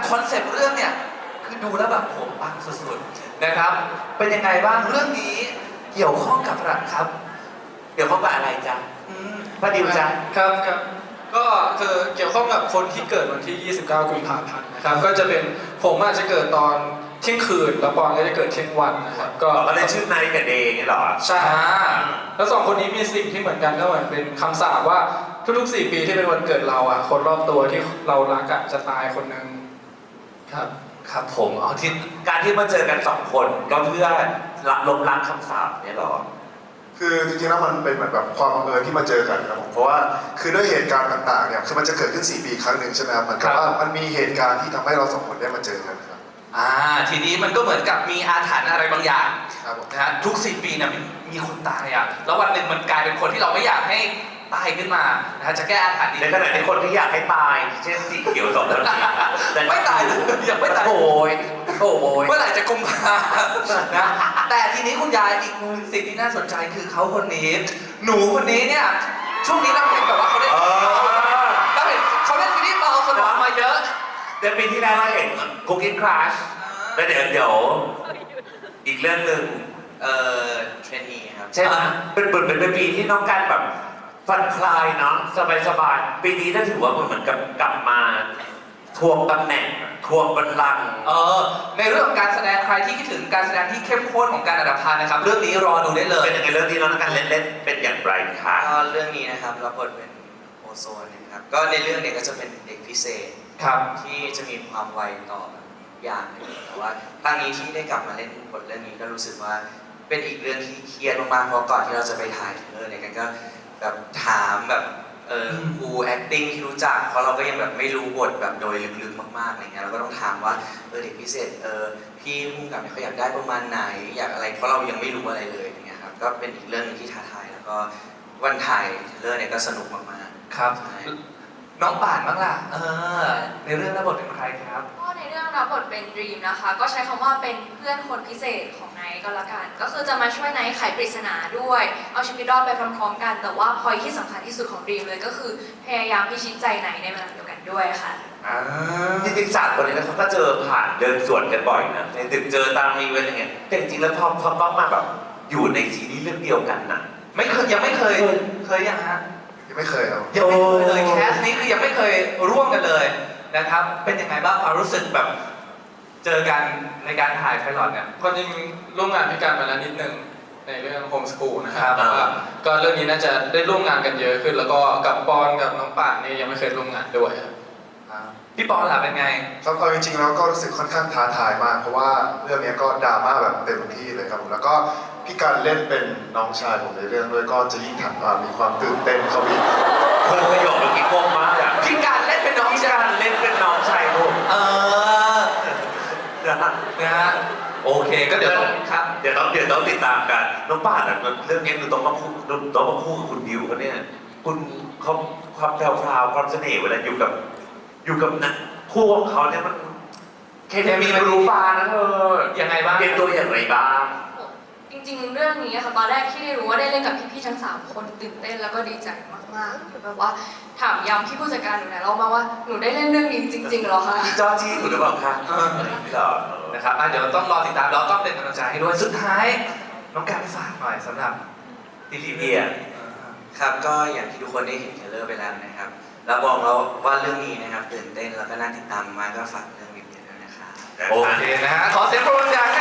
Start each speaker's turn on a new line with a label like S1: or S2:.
S1: คอนเซปต์เรื่องเนี่ยคือดูแล้วแบบผมปังสุดๆนะครับเป็นยังไงบ้างเรื่องนี้เกี่ยวข้องกับอะไรครับเกี่ยวข้องกับอะไรจ๊ะพระดิวจ๊ะ
S2: ครับก็คือเกี่ยวข้องกับคนที่เกิดวันที่ 29 กุมภาพันธ์นะครับก็จะเป็นผมอาจจะเกิดตอนเที่ยงคืนแล้วปอนก็จะเกิดเที่ยงวันนะครับก็
S3: ได้ชื่อไนท์กับเดย์อย่างนี้หรอ
S2: ใช่แล้วสองคนนี้มีสิ่งที่เหมือนกันก็เหมือนเป็นคำสาปว่าทุกๆ4 ปีที่เป็นวันเกิดเราอ่ะคนรอบตัวที่เรารักอ่ะจะตายคนหนึ่งครับ
S3: ครับผมเอาที่การที่มาเจอกัน2 คนก็เพื่อล้มล้างคำสาปเนี่ยหรอ
S4: คือจริงๆแล้วมันเป็นเหมือนแบบความบังเอิญที่มาเจอกันครับผมเพราะว่าคือด้วยเหตุการณ์ต่างๆเนี่ยคือมันจะเกิดขึ้น4 ปีครั้งหนึ่งใช่ไหมครับมันก็ว่ามันมีเหตุการณ์ที่ทำให้เรา2 คนได้มาเจอกันครับ
S1: ทีนี้มันก็เหมือนกับมีอาถรรพ์อะไรบางอย่าง
S4: ครับ
S1: นะฮะทุก4 ปีเนี่ยมีคนตายอ่ะแล้ววันหนึ่งมันกลายเป็นคนที่เราไม่อยากให้ตายขึ้นมานะฮะจะแก้อาถรรพ์นี้
S3: ในขณะที่คนที่อยากให้ตายเช่นสีเขียว2 คนแต่
S1: ไม่ตายเลยยังไม่ตายโอ้ยเมื่อไหร่จะกุมภานะแต่ทีนี้คุณยายอีกสิ่งที่น่าสนใจคือเขาคนนี้หนูคนนี้เนี่ยช่วงนี้เราเห็นแบบว่าเขาได้เขาเล่นซีรีส์เบาสมองมาเยอะ
S3: เดือนปีที่แล้วเราเห็นคุกกิ้งคลาสแล้วเดี๋ยวอีกเรื่องหนึ่ง
S5: เทรนนีครับ
S3: ใช่ไหมเป็นปีที่น้องกันแบบผ่อนคลายเนาะสบายปีนี้ถ้าถือว่ามันเหมือนกับกลับมาทวงตำแหน่งทวงบัลลังก์
S1: ในเรื่องของการแสดงใครที่คิดถึงการแสดงที่เข้มข้นของการอัดพานนะครับเรื่องนี้รอดูได้เลย
S3: เป็นยังไงเรื่องนี้น้องกันเล่นเป็นอย่างไรคะ
S5: ก็เรื่องนี้นะครับรับบทเป็นโอโซนนะครับก็ในเรื่องเนี่ยก็จะเป็นเด็กพิเศษ
S1: ครับ
S5: ที่จะมีความไวต่ออย่างหนึ่งแต่ว่าครั้งนี้ที่ได้กลับมาเล่นบทเรื่องนี้ก็รู้สึกว่าเป็นอีกเรื่องที่เครียดมากๆเพราะก่อนที่เราจะไปถ่ายเทเลอร์เนี่ยกันก็แบบถามแบบครู acting ที่รู้จักเพราะเราก็ยังแบบไม่รู้บทแบบโดยลึกๆมากๆอะไรเงี้ยเราก็ต้องถามว่าเด็กพิเศษพี่ผู้กำกับเขาอยากได้ประมาณไหนอยากอะไรเพราะเรายังไม่รู้อะไรเลยอย่างเงี้ยครับก็เป็นอีกเรื่องนึงที่ท้าทายแล้วก็วันถ่ายเรื่องเนี่ยก็สนุกมาก
S1: ๆครับน้องป่านบ้างล่ะในเรื่องรับบทเป็นใครครับ
S6: ก็ในเรื่องรับบทเป็นดรีมนะคะก็ใช้คำว่าเป็นเพื่อนคนพิเศษของไนท์ก็แล้วกันก็คือจะมาช่วยไนท์ไขปริศนาด้วยเอาชีวิตรอดไปพร้อมๆกันแต่ว่าพอยที่สำคัญที่สุดของดรีมเลยก็คือพยายามพิชิตใจไนท์ในเวลาเดียวกันด้วยค่ะ
S3: จริงๆ3 คนนี้เขาก็เจอผ่านเดินสวนกันบ่อยนะในตึกเจอตามอีเวนต์อย่างเงี้ยแต่จริงๆแล้วพอต้องมาแบบอยู่ในซีรีส์เรื่องเดียวกันน่ะ
S1: ยังไม่เคยยังฮะ
S4: ยังไม่เคยครับ
S1: ยังไม่เคยเลยแคสนี้คือยังไม่เคยร่วมกันเลยนะครับเป็นยังไงบ้างความรู้สึกแบบเจอกันในการถ่ายไพลอตเนี่ย
S2: ความจริงร่วมงานพี่การมาแล้วนิดนึงในเรื่องโฮมสกูลนะครับแต่ว่าก็เรื่องนี้น่าจะได้ร่วมงานกันเยอะขึ้นแล้วก็กับปอนกับน้องป่านนี่ยังไม่เคยร่วมงานด้วยครับ
S1: พี่ปอนล่ะเป็นไง
S4: ครับจริงๆแล้วก็รู้สึกค่อนข้างท้าทายมากเพราะว่าเรื่องนี้ก็ดราม่าแบบเต็มที่เลยครับผมแล้วก็พี่การเล่นเป็นน้องชายผมในเรื่องด้วยก็จะยิ่งมีความตื่นเต้นเขาอีก
S3: ประโยคเมื่อกี้งงมากอ่ะ
S1: พี่การเล่นเป็นน้องชาย
S3: เล่นเป็นน้องชายผม
S1: นะฮะโอเคก็เดี๋ยวครับ
S3: เดี๋ยวต้องติดตามกันน้องป่านเรื่องนี้คือต้องมาคู่กับคุณดิวเขาเนี่ยคุณเขาความแพรวความเสน่ห์เวลาอยู่กับนักคู่ของเขาเนี่ยมันเคมีมันรู้ฟ้านะ
S1: ยังไงบ้าง
S3: เป็นตัวอย่างไรบ้าง
S6: จริงๆเรื่องนี้ค่ะตอนแรกที่ได้รู้ว่าได้เล่นกับพี่ๆทั้ง3 คนตื่นเต้นแล้วก็ดีใจมากๆแบบว่าถามย้ำพี่ผู้จัดการหนูหลายรอบมาว่าหนูได้เล่นเรื่องนี้จริงๆเหรอคะ
S3: จอจี้หรือเปล่าคะ
S1: ไม่หรอกนะครับเดี๋ยวต้องรอติดตามแล้วก็เป็นกำลังใจให้ด้วยสุดท้ายน้องการฝากหน่อยสำหรับ
S3: ทีเดีย
S5: ครับก็อย่างที่ทุกคนได้เห็นเทเลอร์ไปแล้วนะครับแล้วบอกเราว่าเรื่องนี้นะครับตื่นเต้นแล้วก็น่าติดตามมากก็ฝากเรื่องนี้ด้วยนะครับ
S1: โอเคนะฮะขอเสียงปรบมือดัง